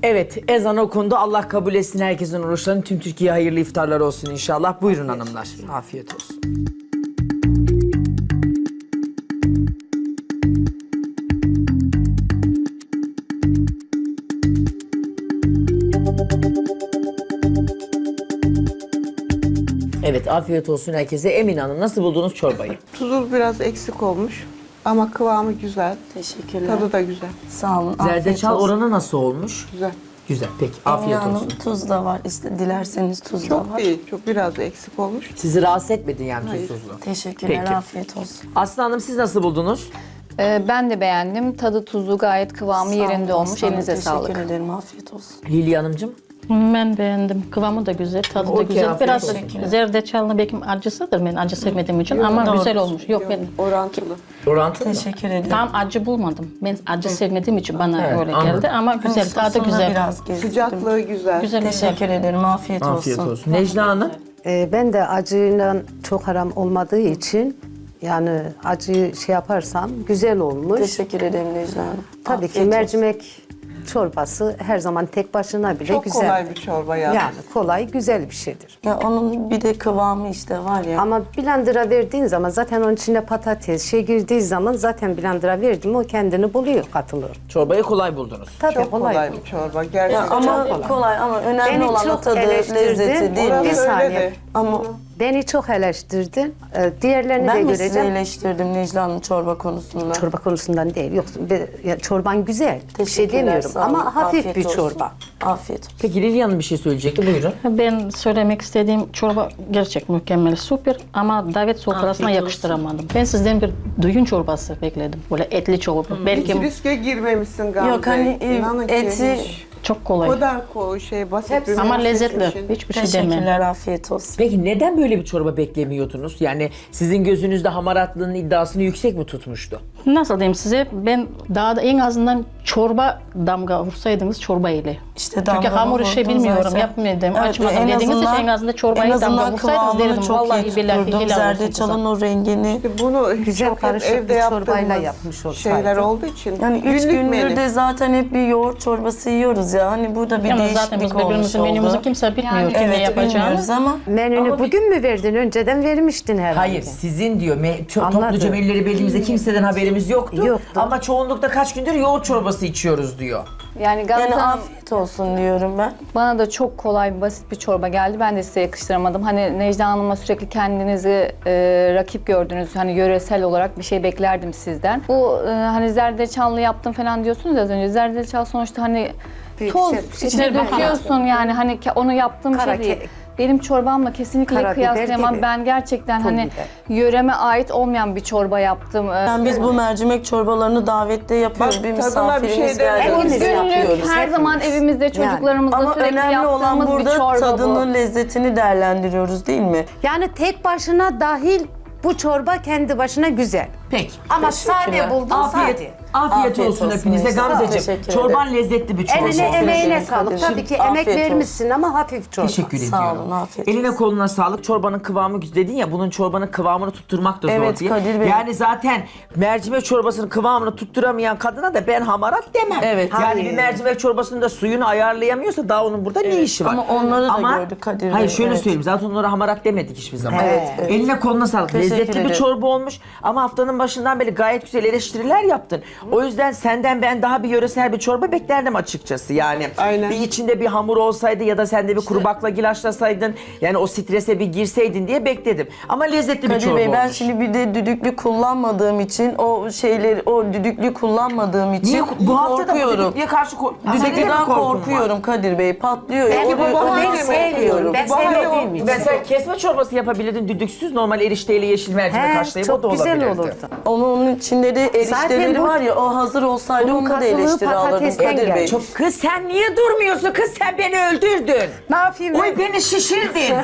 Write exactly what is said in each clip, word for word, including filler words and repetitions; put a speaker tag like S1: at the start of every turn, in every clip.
S1: Evet, ezan okundu. Allah kabul etsin herkesin oruçlarını. Tüm Türkiye hayırlı iftarlar olsun inşallah. Buyurun hanımlar. Afiyet olsun. Evet, afiyet olsun herkese. Emine Hanım, nasıl buldunuz çorbayı?
S2: Tuzu biraz eksik olmuş ama kıvamı güzel.
S3: Teşekkürler.
S2: Tadı da güzel.
S3: Sağ olun. afiyet
S1: Zerdeçal
S3: olsun.
S1: oranı nasıl olmuş?
S2: Güzel.
S1: Güzel, peki. Afiyet
S3: Emine
S1: olsun.
S3: Hanım, tuz da var. İşte dilerseniz tuz da
S2: Çok
S3: var.
S2: değil, çok biraz eksik olmuş.
S1: Sizi rahatsız etmedi yani
S2: Hayır.
S1: tuzsuzluğu.
S3: Teşekkürler.
S1: Peki.
S3: Afiyet olsun.
S1: Aslı Hanım, siz nasıl buldunuz?
S4: Ee, ben de beğendim. Tadı tuzu gayet kıvamı
S3: Sağ
S4: yerinde
S3: olun
S4: olmuş.
S3: aslanım,
S4: Elinize sağlık.
S3: Teşekkür ederim. Afiyet olsun.
S1: Lilya Hanımcığım.
S5: Ben beğendim. Kıvamı da güzel, tadı da
S1: Okey,
S5: güzel.
S1: afiyet
S5: Biraz
S1: olsun.
S5: zerdeçallı belki acısıdır, ben acı sevmediğim için ama
S3: doğru.
S5: güzel olmuş. Yok ben
S2: Orantılı.
S1: Orantılı mı?
S3: Teşekkür ederim.
S5: tam acı bulmadım. Ben acı sevmediğim için bana
S1: Evet,
S5: öyle
S1: anladım.
S5: geldi ama güzel, tadı
S3: Sosuna
S5: güzel.
S3: biraz gezdirdim.
S2: Sıcaklığı güzel.
S5: Güzel, güzel.
S3: Teşekkür ederim. Afiyet,
S1: Afiyet
S3: olsun.
S1: olsun. Necla Hanım.
S6: Ee, ben de acıyla çok haram olmadığı için yani acı şey yaparsam güzel olmuş.
S3: Teşekkür ederim Necla Hanım.
S6: Tabii
S3: Afiyet
S6: ki
S3: olsun.
S6: mercimek çorbası her zaman tek başına bile
S2: Çok
S6: güzel.
S2: kolay bir çorba ya.
S6: Yani kolay, güzel bir şeydir.
S3: Ya onun bir de kıvamı işte var ya.
S6: Ama blender'a verdiğin zaman zaten onun içine patates şey girdiği zaman zaten blender'a verdim mi o kendini buluyor, katılıyor.
S1: Çorbayı kolay buldunuz.
S6: Tabii
S2: Çok kolay,
S6: kolay.
S2: bir çorba.
S3: Ya
S2: Gerçekten
S3: ama
S2: çok
S3: kolay.
S2: kolay.
S3: ama önemli
S6: Beni
S3: olan o
S6: çok
S3: tadı,
S6: eleştirdin.
S3: lezzeti değil
S2: Orası
S3: mi?
S6: Bir
S2: öyle
S6: saniye.
S2: de.
S3: Ama
S6: Beni çok eleştirdin. Ee, diğerlerini
S3: ben
S6: de
S3: mi sizi
S6: göreceğim.
S3: eleştirdim Necla Hanım çorba konusunda?
S6: Çorba konusundan değil. Yok, bir- ya çorban güzel. Bir şey
S3: Teşekkürler,
S6: demiyorum
S3: sağ olun.
S6: ama hafif
S3: Afiyet
S6: bir
S3: olsun.
S6: çorba.
S3: Afiyet olsun.
S1: Peki Lilya Hanım bir şey söyleyecekti. Buyurun.
S5: Ben söylemek istediğim çorba gerçek mükemmel, süper ama davet sofrasına
S1: Afiyet olsun.
S5: yakıştıramadım. Ben sizden bir düğün çorbası bekledim. Böyle etli çorba. Belki
S2: Hiç riske girmemişsin Gamze.
S3: Yok, hani, e,
S2: İnanın ki
S3: eti-
S2: hiç.
S5: çok kolay.
S2: O kadar ko şey basit bir
S5: Ama
S2: menü
S5: lezzetli.
S2: seçmişsin.
S5: Hiçbir şey demem.
S3: Teşekkürler, afiyet olsun.
S1: Peki neden böyle bir çorba beklemiyordunuz? Yani sizin gözünüzde hamaratlığının iddiasını yüksek mi tutmuştu?
S5: Nasıl diyeyim size? Ben daha da en azından çorba damga vursaydınız çorba ile.
S3: İşte
S5: Çünkü
S3: damga
S5: hamur işi
S3: vurdum
S5: bilmiyorum,
S3: zaten.
S5: yapmadım,
S3: Evet,
S5: açmadım
S3: en
S5: dediğiniz için
S3: azından-
S5: en azından çorbayı
S3: en azından
S5: damga vursaydınız
S3: kıvamını
S5: derdim.
S3: çok
S5: Vallahi
S3: iyi
S5: billahi
S3: tutturdum.
S5: helal olsun
S3: Zerdeçalın
S5: kızım.
S3: o rengini.
S2: Bunu
S6: Güzel
S2: çok hep
S6: karışık
S2: evde
S6: bir çorbayla
S2: yaptığımız
S6: yapmış olsaydı.
S2: şeyler olduğu için.
S3: Yani üç
S2: günlük
S3: gündür
S2: menü.
S3: de zaten hep bir yoğurt çorbası yiyoruz ya. Hani burada bir
S5: Yalnız
S3: değişiklik
S5: zaten biz
S3: olmuş
S5: birbirimizin
S3: oldu.
S5: menümüzü kimse bilmiyor
S4: Yani-
S5: kim ne
S3: Evet,
S5: yapacağını.
S3: bilmiyoruz ama
S6: Menünü
S3: Ama bir-
S6: bugün mü verdin? Önceden vermiştin herhalde.
S1: Hayır, sizin diyor. Me- ço-
S6: Anladım.
S1: topluca menüleri belirlimizde kimseden haberimiz yoktu.
S6: Yoktu.
S1: Ama çoğunlukta kaç gündür yoğurt çorbası içiyoruz diyor.
S4: Yani Gamze
S3: yani
S4: Hanım,
S3: afiyet olsun diyorum ben.
S4: bana da çok kolay, basit bir çorba geldi. Ben de size yakıştıramadım. Hani Necla Hanım'a sürekli kendinizi e, rakip gördünüz. Hani yöresel olarak bir şey beklerdim sizden. Bu e, hani zerdeçallı yaptım falan diyorsunuz ya az önce. Zerdeçal sonuçta hani
S6: Bir
S4: toz
S6: şey-
S4: içine
S5: şey-
S4: döküyorsun yani hani ke- onu yaptığım
S6: Kara
S4: şey değil.
S6: ke-
S4: Benim çorbamla kesinlikle
S6: Karabiber
S4: kıyaslayamam.
S6: gibi.
S4: Ben gerçekten
S6: Pul
S4: hani
S6: biber.
S4: yöreme ait olmayan bir çorba yaptım. Ee,
S3: Yani biz bu mercimek çorbalarını davette yapıyoruz.
S2: Bak,
S3: bir
S2: tadına bir
S3: misafirimiz
S2: şey
S3: geldi.
S6: Hepimiz
S3: biz
S4: Günlük
S3: yapıyoruz.
S4: her zaman evimizde çocuklarımızla
S3: Ama
S4: sürekli
S3: önemli olan
S4: yaptığımız bir
S3: burada
S4: çorba
S3: tadının
S4: bu.
S3: lezzetini değerlendiriyoruz değil mi?
S6: Yani tek başına dahil bu çorba kendi başına güzel.
S1: Peki.
S6: Ama sade buldun
S1: Afiyet,
S6: sade.
S1: afiyet,
S3: Afiyet
S1: olsun
S3: olsun
S1: hepinize.
S3: Necla.
S1: Gamzeciğim,
S3: Teşekkür
S1: çorban lezzetli bir çorba.
S6: Eline
S3: Teşekkür
S6: emeğine
S3: ederim
S6: sağlık.
S3: kardeşim.
S6: Tabii ki
S3: Afiyet
S6: emek
S3: olsun.
S6: vermişsin ama hafif çorba.
S1: Teşekkür
S3: Sağ
S1: ediyorum.
S3: olun, afiyet
S1: Eline
S3: olsun.
S1: koluna sağlık. Çorbanın kıvamı güzel dedin ya, bunun çorbanın kıvamını tutturmak da zor
S3: Evet,
S1: diye.
S3: Kadir Bey.
S1: Yani zaten mercimek çorbasının kıvamını tutturamayan kadına da ben hamarat demem.
S3: Evet.
S1: Yani
S6: Hayır.
S1: bir mercimek çorbasının da suyunu ayarlayamıyorsa daha onun burada ne işi var?
S3: Ama onları da
S1: Ama,
S3: gördük Kadir Bey,
S1: Hayır şöyle
S3: evet.
S1: söyleyeyim, zaten onlara hamarat demedik hiçbir zaman.
S3: Evet, evet.
S1: Eline koluna sağlık.
S3: Teşekkür
S1: Lezzetli bir
S3: ederim.
S1: çorba olmuş ama haftanın başından beri gayet güzel eleştiriler yaptın. O yüzden senden ben daha bir yöresel bir çorba beklerdim açıkçası yani.
S2: Aynen.
S1: Bir içinde bir hamur olsaydı ya da sen de bir kuru baklagil yani o strese bir girseydin diye bekledim. Ama lezzetli bir
S3: Kadir
S1: çorba
S3: Bey, ben
S1: olmuş.
S3: şimdi bir de düdüklü kullanmadığım için o şeyleri o düdüklü kullanmadığım için
S1: Niye bu hafta da bu
S3: korkuyorum.
S1: düdüklüye karşı ko- Senin de mi
S3: Düdüklüden
S1: korkun var?
S3: korkuyorum Kadir Bey. Patlıyor ya.
S6: Belki
S3: O-
S6: bu
S3: o-
S6: bahane
S3: ondan
S6: mi? Sevmiyorum. Ben
S2: Bu bahane
S6: sevmediğim
S2: olmuş.
S6: için.
S1: Mesela kesme çorbası yapabilirdin düdüksüz, normal erişteyle yeşil mercimek
S6: He,
S1: haşlayıp o da
S6: çok güzel
S1: olabilirdi.
S6: olurdu.
S3: Onun, onun içinde de erişteleri
S6: bu-
S3: var ya, o hazır olsaydı
S6: bunun
S3: onu da
S6: katılığı
S3: eleştiri alırdım
S6: patatesten
S3: Kadir Bey.
S6: gelmiş.
S1: Çok kız sen niye durmuyorsun kız, sen beni öldürdün.
S6: Ne yapayım?
S1: Oy beni şişirdin.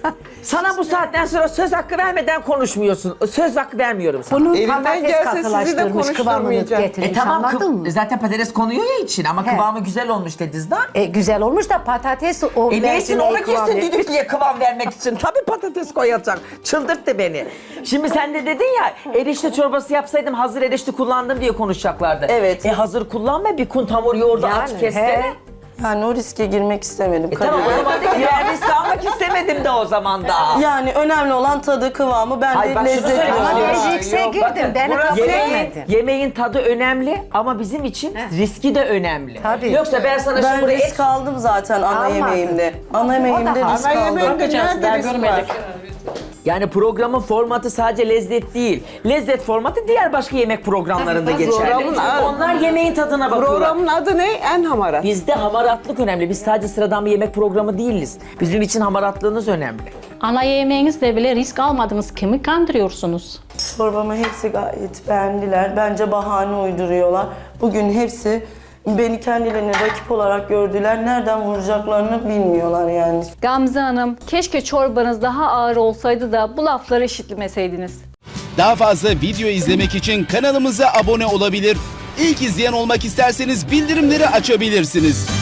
S1: Sana bu saatten sonra söz hakkı vermeden konuşmuyorsun. Söz hakkı vermiyorum sana.
S6: Bunun
S2: Elimden
S6: patates
S2: gelse sizi de
S6: katılaştırmış, kıvamını
S2: konuşturmayacağım.
S6: getirmiş,
S1: E tamam,
S6: anladın
S1: kıv-
S6: mı?
S1: zaten patates konuyor ya için ama
S6: He.
S1: kıvamı güzel olmuş dediniz daha.
S6: E, güzel olmuş da patates o
S1: E neysin
S6: mercimeği
S1: onu
S6: kıvam
S1: kesin
S6: etmiş.
S1: düdüklüye kıvam vermek için. Tabii patates koyacak. Çıldırttı beni. Şimdi sen de dedin ya, erişte çorbası yapsaydım hazır erişte kullandım diye konuşacaklardı.
S3: Evet.
S1: E hazır kullanma, bir kun hamur yoğurdu
S6: Yani,
S1: aç kessene.
S6: he.
S3: Yani o riske girmek istemedim.
S1: E tamam o zaman da ki ben risk almak istemedim de o zaman da.
S3: Yani önemli olan tadı, kıvamı, ben
S1: Hayır,
S3: de
S1: bak şunu
S3: lezzet
S1: söyleyeyim.
S6: Ama
S1: Yok,
S6: ben riske
S1: yok,
S6: girdim.
S1: bakın,
S6: Beni kabul
S1: Yemeğin,
S6: etmedin.
S1: yemeğin tadı önemli ama bizim için riski de önemli.
S6: Tabii.
S1: Yoksa ben sana
S3: Ben
S1: şimdi buraya
S3: risk
S1: et...
S3: aldım zaten ana
S6: Almadın.
S3: yemeğimde. Ana yemeğimde
S6: da
S3: risk
S2: Ana
S3: aldım.
S2: yemeğinde nerede risk var?
S1: Yani programın formatı sadece lezzet değil. Lezzet formatı diğer başka yemek programlarında geçerli.
S2: Programın adı-
S1: Onlar yemeğin tadına bakıyorlar.
S2: Programın adı ne? En hamarat.
S1: Bizde hamaratlık önemli. Biz sadece sıradan bir yemek programı değiliz. Bizim için hamaratlığınız önemli.
S5: Ana yemeğinizde bile risk almadınız. Kimi kandırıyorsunuz?
S3: Çorbamı hepsi gayet beğendiler. Bence bahane uyduruyorlar. Bugün hepsi beni kendilerine rakip olarak gördüler. Nereden vuracaklarını bilmiyorlar yani.
S4: Gamze Hanım, keşke çorbanız daha ağır olsaydı da bu lafları işitmeseydiniz.
S7: Daha fazla video izlemek için kanalımıza abone olabilir. İlk izleyen olmak isterseniz bildirimleri açabilirsiniz.